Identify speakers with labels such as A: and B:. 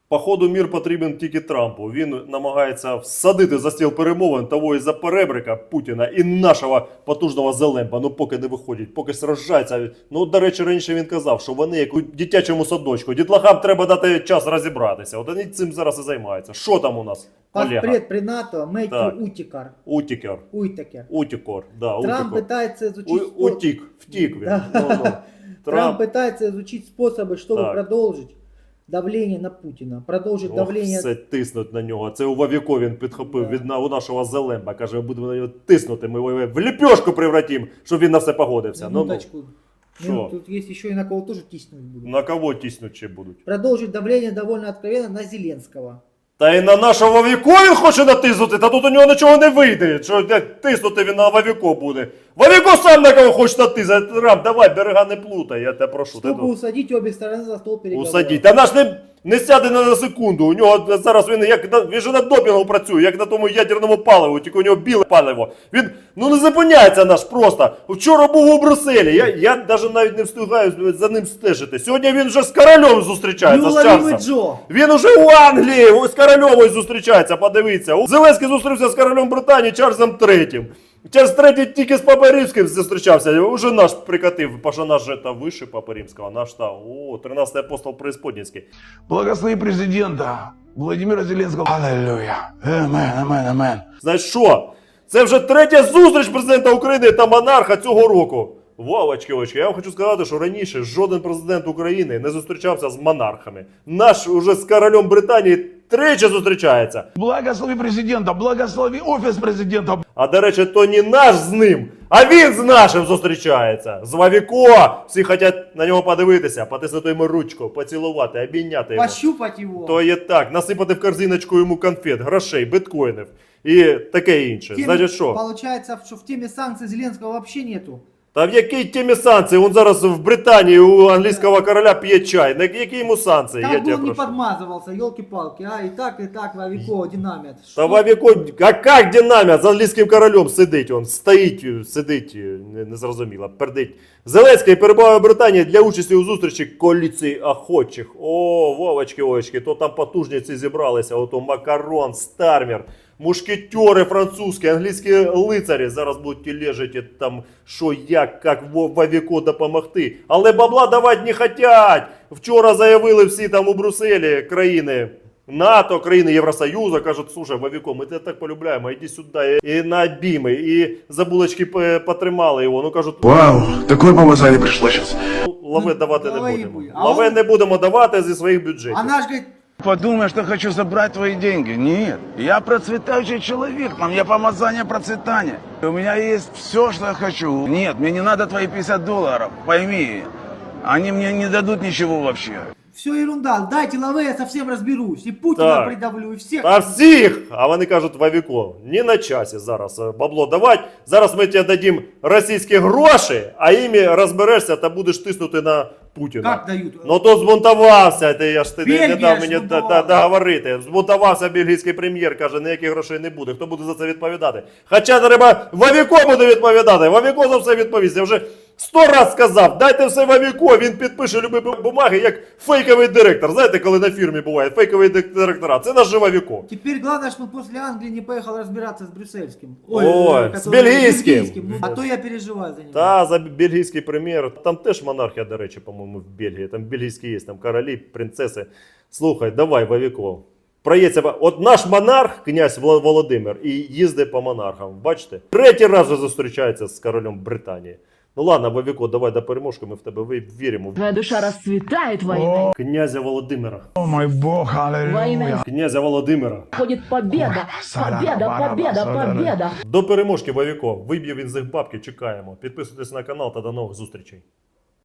A: Походу, мір потрібен тільки Трампу. Він намагається всадити за стіл перемовин того із-за перебрика Путіна і нашого потужного Зелемба. Ну, поки не виходять, поки сражаються. Ну, до речі, раніше він казав, що вони як у дитячому садочку. Дітлахам треба дати час розібратися. От вони цим зараз і займаються. Що там у нас?
B: Постпред при НАТО Меттью Утикар.
A: Утікер.
B: Уйтакер.
A: Утікор. Да,
B: Трамп
A: Утікор.
B: пытается изучить...
A: Втік він.
B: Да.
A: Ну.
B: Трамп пытается изучить способы, чтобы
A: Так.
B: продолжить давление на Путина. Продолжить давление...
A: Все тиснуть на нього. Це у Вовіко він підхопив
B: Да.
A: у нашого Зелемба. Каже, будемо на нього тиснути, ми його в ліпьошку превратимо, щоб він на все погодився.
B: Минуточку.
A: Що?
B: Тут есть еще и на кого тоже тиснуть будут.
A: На кого тиснуть ще будуть?
B: Продолжить давление довольно откровенно на Зеленского.
A: Та й на нашого Вовіко він хоче натиснути, та тут у нього нічого не вийде. Що тиснути він на Вовіко буде. Вовіко сам на кого хоче натиснути. Рам, давай, берега не плутай, я тебе прошу.
B: Чтобы усадить обе стороны за стол переговоров.
A: Усадіть. Та наш не сяде на секунду. У нього зараз він же на допінгу працює, як на тому ядерному паливу, тільки у нього біле паливо. Він не зупиняється наш просто. Вчора був у Брюсселі. Я навіть не встигаю за ним стежити. Сьогодні він вже з королем зустрічається, з Чарльзом.
B: Джо.
A: Він уже у Англії з корольовою зустрічається, подивіться. Зеленський зустрівся з королем Британії Чарльзом III. Чарльз III тільки з Папою Римським зустрічався, уже наш прикатив, бо наш же та вище Папи Римського, наш та, 13-й апостол Преисподнінський.
C: Благослови президента Владимира Зеленского. Аллилуйя. Амен, амен, амен.
A: Знаєш що? Це вже третя зустріч президента України та монарха цього року. Вовочки, я вам хочу сказати, що раніше жоден президент України не зустрічався з монархами. Наш уже з королем Британії тричі зустрічається.
C: Благослови президента, благослови офіс президента.
A: А до речі, то не наш з ним, а він з нашим зустрічається. З Вовіко. Всі хочуть на нього подивитися, потиснути йому ручку, поцілувати, обійняти його.
B: Пощупать его.
A: То є так, насипати в корзиночку йому конфет, грошей, біткоїнів і таке інше. Значить що?
B: Получается, что в теме санкций Зеленского вообще нету.
A: Та в якій темі санкції? Він зараз в Британії у англійського короля п'є чай. На які йому санкції?
B: Как
A: Я
B: бы
A: тебе
B: он не
A: прошу.
B: подмазывался, елки-палки, а и так Вовико динамит.
A: Та Вовіко, а як динаміт з англійським королем сидить? Он стоїть, сидить, не зрозуміло, пердить. Зеленський перебуває в Британії для участі у зустрічі коаліції охочих. О, Вовочки, то там потужниці зібралися, ото Макарон, Стармер. Мушкетери французькі, англійські лицарі зараз будуть тілежити там, що як Вовіко допомогти. Але бабла давати не хочуть. Вчора заявили всі там у Брюсселі країни НАТО, країни Євросоюзу, кажуть, слушай, Вовіко, ми тебе так полюбляємо, іди сюди. І на обійми, і за булочки потримали його. Ну кажуть,
C: Вау, такое помазание пришло сейчас.
A: лаве давати не
B: давай
A: будемо.
B: їй. А
A: Лаве
B: он-
A: не будемо давати зі своїх бюджетів.
B: Она ж говорит,
C: Подумай, что хочу забрать твои деньги. Нет, я процветающий человек, на мне помазание процветания. У меня есть все, что я хочу. Нет, мне не надо твои $50, пойми. Они мне не дадут ничего вообще.
B: все ерунда, дайте лаве, я совсем разберусь. И Путина
A: Так.
B: придавлю, и всех.
A: Та всіх! А вони кажуть, Вовіко, не на часі зараз бабло давати. Зараз ми тебе дадим російські гроші, а іми розберешся та будеш тиснути на Путіна.
B: Как дают?
A: Ну то збунтувався, я ж ти не
B: Бельгія
A: дав мені
B: збунтувалася.
A: договорити. Збунтувався бельгійський прем'єр, каже, ніяких грошей не буде. Хто буде за це відповідати? Хоча треба, Вовіко буде відповідати. Вовіко за все відповість. Я вже 100 раз сказав, дайте все Вовіко, він підпише любі бумаги, як фейковий директор. Знаєте, коли на фірмі буває фейковий директора? Це наш же Вовіко.
B: Теперь главное, что после Англии не поехал разбираться с брюссельским.
A: Ой, с
B: который-
A: бельгийским.
B: Ну, а то я переживаю за него.
A: Та за бельгійський прем'єр. Там теж монархія, до речі, по-моєму, в Бельгії. Там бельгійські є, там королі, принцеси. Слухай, давай, Вовіко. Проїдься. От наш монарх, князь Володимир, і їздить по монархам. Бачите? Третій раз вже зустрічається з королем Британії. Ну ладно, Вовіко, давай до переможки, ми в тебе віримо.
D: Твоя душа расцветает войной.
A: Князя Володимира.
C: О мой Бог,
D: Во
C: аллилуйя.
D: имя
A: Князя Володимира.
D: будет победа. Победа, победа, победа.
A: До переможки, Вовіко. Виб'є він з їх бабки, чекаємо. Підписуйтесь на канал та до нових зустрічей.